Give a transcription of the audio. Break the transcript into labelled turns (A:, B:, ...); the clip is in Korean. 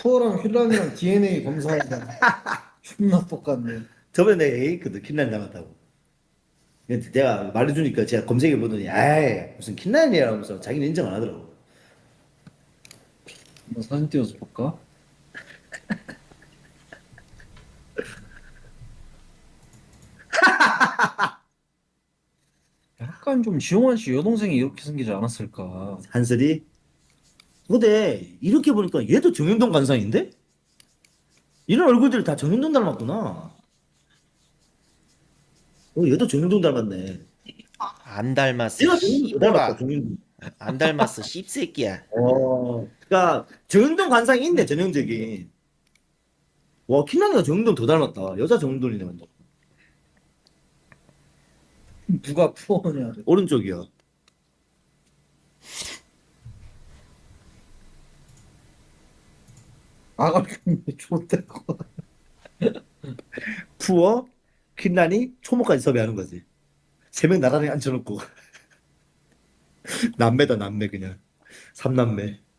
A: 푸어랑 휠란이랑 DNA 검사하다 존나 똑같네.
B: 저번에 내가 얘기했거든. 킨란 닮았다고. 근데 내가 말해주니까 제가 검색해보더니 아이 무슨 킨란이라면서 자기는 인정 안 하더라고.
A: 한번 사진 띄워서 볼까? 약간 좀 지용환 씨 여동생이 이렇게 생기지 않았을까?
B: 한슬이? 근데 이렇게 보니까 얘도 정윤동 관상인데? 이런 얼굴들 다 정윤동 닮았구나. 얘도 정윤동 닮았네.
C: 안 닮았어,
B: 얘가 정윤동 더 닮았다,
C: 씨보라.
B: 정윤동.
C: 안 닮았어, 씹새끼야.
B: 그러니까 정윤동 관상이 있네, 전형적인. 와, 킨란이가 정윤동 더 닮았다. 여자 정윤동이네, 완전.
A: 누가 푸어냐?
B: 오른쪽이야.
A: 아가 좀 좋대.
B: 푸어, 킨란이, 초모까지 섭외하는 거지. 세 명 나란히 앉혀놓고. 남매다, 남매, 그냥. 삼남매.